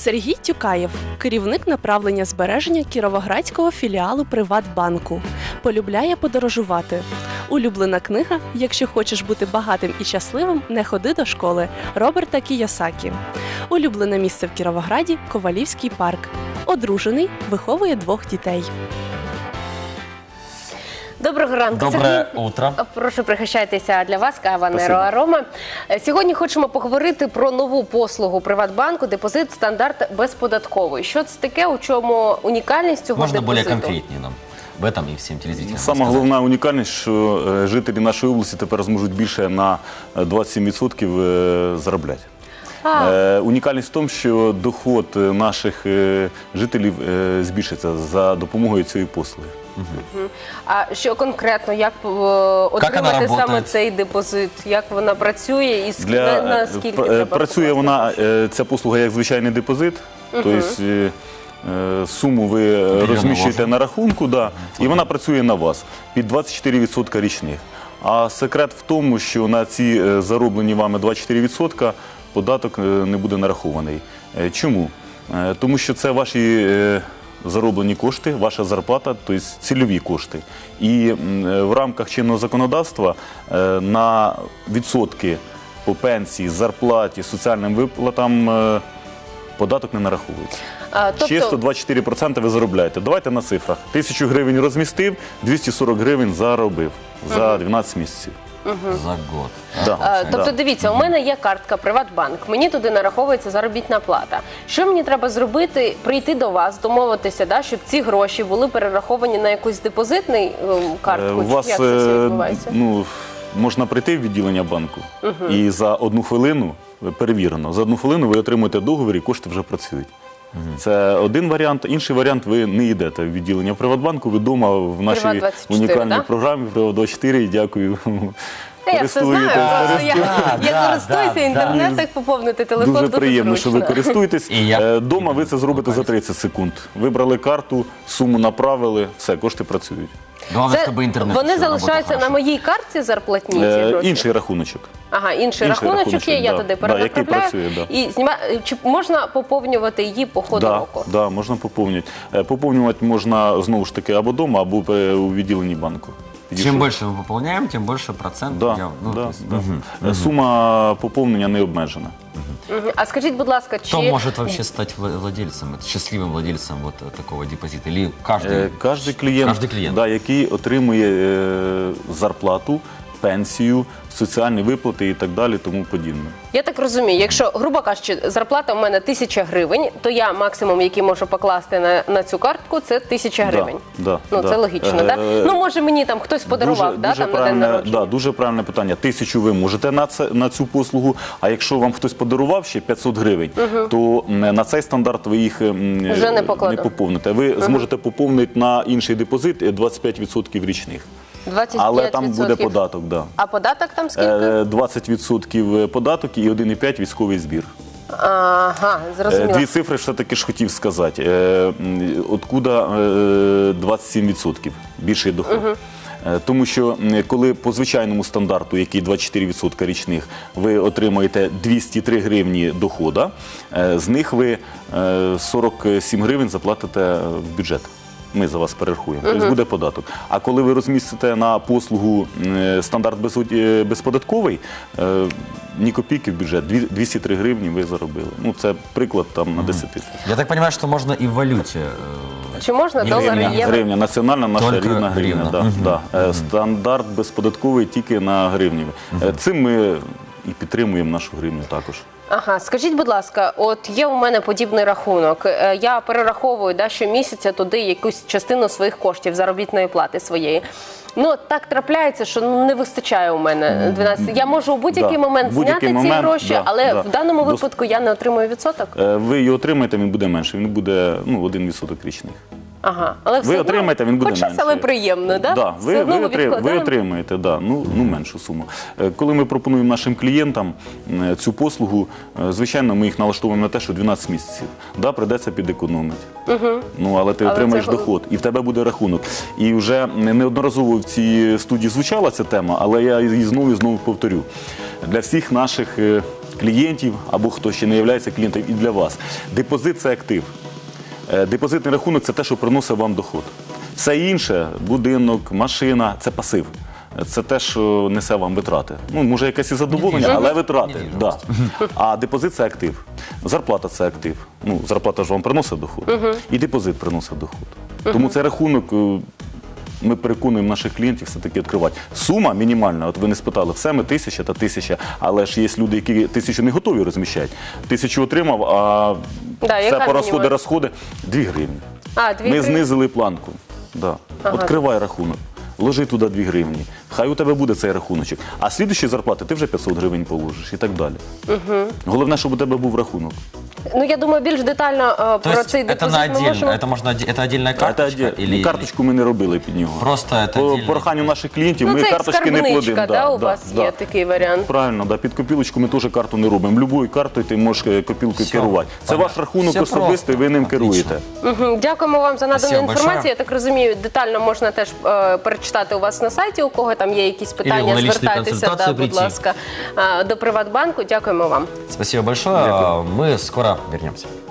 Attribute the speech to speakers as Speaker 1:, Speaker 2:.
Speaker 1: Сергій Тюкаєв – керівник направлення збереження кіровоградського філіалу Приватбанку. Полюбляє подорожувати. Улюблена книга «Якщо хочеш бути багатим і щасливим, не ходи до школи» Роберта Кійосакі. Улюблене місце в Кіровограді – Ковалівський парк. Одружений, виховує 2 дітей.
Speaker 2: Доброго ранку.
Speaker 3: Доброе утро.
Speaker 2: Прошу, пригощайтеся, для вас кава Неро Арома. Сьогодні хочемо поговорити про нову послугу Приватбанку «Депозит стандарт безподатковий». Що це таке, у чому унікальність цього
Speaker 3: Можно
Speaker 2: депозиту?
Speaker 3: более конкретнее нам об этом и всем телезрителям
Speaker 4: Сама головна унікальність, що жителі нашої області тепер зможуть більше на 27% заробляти. Унікальність в тому, що доход наших жителів збільшиться за допомогою цієї послуги.
Speaker 2: А що конкретно, як отримати саме цей депозит? Як вона працює і наскільки треба?
Speaker 4: Працює вона, ця послуга як звичайний депозит, тобто суму ви розміщуєте на рахунку, і вона працює на вас під 24% річних. А секрет в тому, що на ці зароблені вами 24% податок не буде нарахований. Чому? Тому що це ваші зароблені кошти, ваша зарплата, тобто цільові кошти. І в рамках чинного законодавства на відсотки по пенсії, зарплаті, соціальним виплатам податок не нараховується. Чисто 24% ви заробляєте. Давайте на цифрах. 1000 гривень розмістив, 240 гривень заробив за 12 місяців.
Speaker 3: За год.
Speaker 2: Тобто, дивіться, у мене є картка Приватбанк, мені туди нараховується заробітна плата. Що мені треба зробити? Прийти до вас, домовитися, щоб ці гроші були перераховані на якусь депозитну картку? Як це все відбувається?
Speaker 4: Можна прийти в відділення банку і за 1 хвилину, перевірено, за 1 хвилину ви отримуєте договір і кошти вже працюють. Це один варіант. Інший варіант – ви не йдете в відділення Приватбанку, ви вдома в нашій унікальній програмі Приват24, дякую.
Speaker 2: Я все знаю, я користуюся інтернетом, як поповнити телефон, дуже
Speaker 4: приємно, що ви користуєтесь. Дома ви це зробите за 30 секунд. Вибрали карту, суму направили, все, кошти працюють.
Speaker 2: Вони залишаються на моїй картці зарплатні?
Speaker 4: Інший рахуночок.
Speaker 2: Ага, інший рахуночок є, я туди перенаправляю і знімаю. Чи можна поповнювати її по ходу року?
Speaker 4: Так, можна поповнювати. Поповнювати можна, знову ж таки, або вдома, або у відділенні банку.
Speaker 3: Чим більше ми поповняємо, тим більше процент.
Speaker 4: Сума поповнення не обмежена.
Speaker 2: А скажіть, будь ласка, чи...
Speaker 3: Кто может вообще стать владельцем, счастливым владельцем такого депозита? Или
Speaker 4: Кожен клієнт, який отримує зарплату, пенсію, соціальні виплати і так далі, тому подібне.
Speaker 2: Я так розумію, якщо, грубо кажучи, зарплата у мене 1000 гривень, то я максимум, який можу покласти на цю картку, це 1000 гривень. Це логічно, так? Може мені там хтось подарував, на день народження?
Speaker 4: Дуже правильне питання. 1000 ви можете на цю послугу, а якщо вам хтось подарував ще 500 гривень, то на цей стандарт ви їх не поповните. Ви зможете поповнити на інший депозит 25% річних.
Speaker 2: 25%.
Speaker 4: Але там буде податок, так.
Speaker 2: А податок там скільки?
Speaker 4: 20% податок і 1,5% військовий збір.
Speaker 2: Ага, зрозуміло.
Speaker 4: 2 цифри все-таки ж хотів сказати. Откуда 27% більший доход? Тому що коли по звичайному стандарту, який 24% річних, ви отримаєте 203 гривні доходу, з них ви 47 гривень заплатите в бюджет. Ми за вас перерахуємо. Тобто буде податок. А коли ви розмістите на послугу стандарт безподатковий, ні копійки в бюджет, 203 гривні ви заробили. Це приклад на 10 тисяч.
Speaker 3: Я так розумію, що можна і в валюті.
Speaker 2: Чи можна долари, євро?
Speaker 4: Гривня, національна наша рідна гривня. Стандарт безподатковий тільки на гривні. Цим ми і підтримуємо нашу гривню також.
Speaker 2: Ага, скажіть, будь ласка, от є у мене подібний рахунок. Я перераховую щомісяця туди якусь частину своїх коштів, заробітної плати своєї. Так трапляється, що не вистачає у мене 12. Я можу у будь-який момент зняти ці гроші, але в даному випадку я не отримую відсоток?
Speaker 4: Ви його отримаєте, він буде менше, він буде 1% річних.
Speaker 2: Ага, але все
Speaker 4: Ви
Speaker 2: одно
Speaker 4: отримаєте, він буде
Speaker 2: хоч щось,
Speaker 4: менший.
Speaker 2: але приємно, да?
Speaker 4: Да,
Speaker 2: Все одно ми
Speaker 4: ви
Speaker 2: відкладаємо.
Speaker 4: отримаєте меншу суму. Коли ми пропонуємо нашим клієнтам цю послугу, звичайно, ми їх налаштовуємо на те, що 12 місяців. Да, прийдеться підекономити. Але ти отримаєш
Speaker 2: це-
Speaker 4: доход, і в тебе буде рахунок. І вже неодноразово в цій студії звучала ця тема, але я її знову і знову повторю. Для всіх наших клієнтів, або хто ще не є клієнтом, і для вас. Депозит – це актив. Депозитний рахунок – це те, що приносить вам доход. Все інше – будинок, машина – це пасив. Це те, що несе вам витрати. Може, якесь і задоволення, але витрати. Да. А депозит – це актив. Зарплата – це актив. Зарплата ж вам приносить доход. І депозит приносить доход. Тому цей рахунок ми переконуємо наших клієнтів все-таки відкривати. Сума мінімальна, от ви не спитали, все ми 1000 та 1000, але ж є люди, які 1000 не готові розміщати. 1000 отримав, а все по розходи 2 гривні.
Speaker 2: А, 2
Speaker 4: Ми
Speaker 2: гривні.
Speaker 4: знизили планку. Да. Відкривай рахунок. Вложи туди 2 гривні. Хай у тебе буде цей рахуночок. А слідуючі зарплати ти вже 500 гривень положиш і так далі. Головне, щоб у тебе був рахунок.
Speaker 2: Я думаю, більш детально
Speaker 3: То
Speaker 2: про
Speaker 3: есть
Speaker 2: цей
Speaker 3: это
Speaker 2: депозит
Speaker 3: на
Speaker 2: ми
Speaker 3: отдельно,
Speaker 2: можемо...
Speaker 3: это отдельная карточка?
Speaker 4: Карточку ми не робили під нього.
Speaker 3: Просто это
Speaker 4: По
Speaker 3: отдельно?
Speaker 4: проханню наших клієнтів ми
Speaker 2: це як
Speaker 4: карточки не
Speaker 2: скарбничка,
Speaker 4: плодимо.
Speaker 2: да, у вас є такий варіант?
Speaker 4: Правильно, да. Під копілочку ми теж карту не робимо. Любою картою ти можеш копілкою
Speaker 3: Все,
Speaker 4: керувати. Це
Speaker 3: понятно.
Speaker 4: ваш рахунок
Speaker 3: Все
Speaker 4: особистий, ви ним
Speaker 3: Отлично.
Speaker 4: керуєте.
Speaker 2: Дякуємо вам за надану
Speaker 3: Спасибо
Speaker 2: інформацію.
Speaker 3: большое.
Speaker 2: Я так розумію, детально можна теж перечитати у вас на сайті, у кого там є якісь питання,
Speaker 3: на личну
Speaker 2: звертайтеся,
Speaker 3: консультацію
Speaker 2: будь
Speaker 3: прийти.
Speaker 2: ласка, до Приватбанку. Дякуємо вам.
Speaker 3: Спасибо большое. Мы скоро вернемся.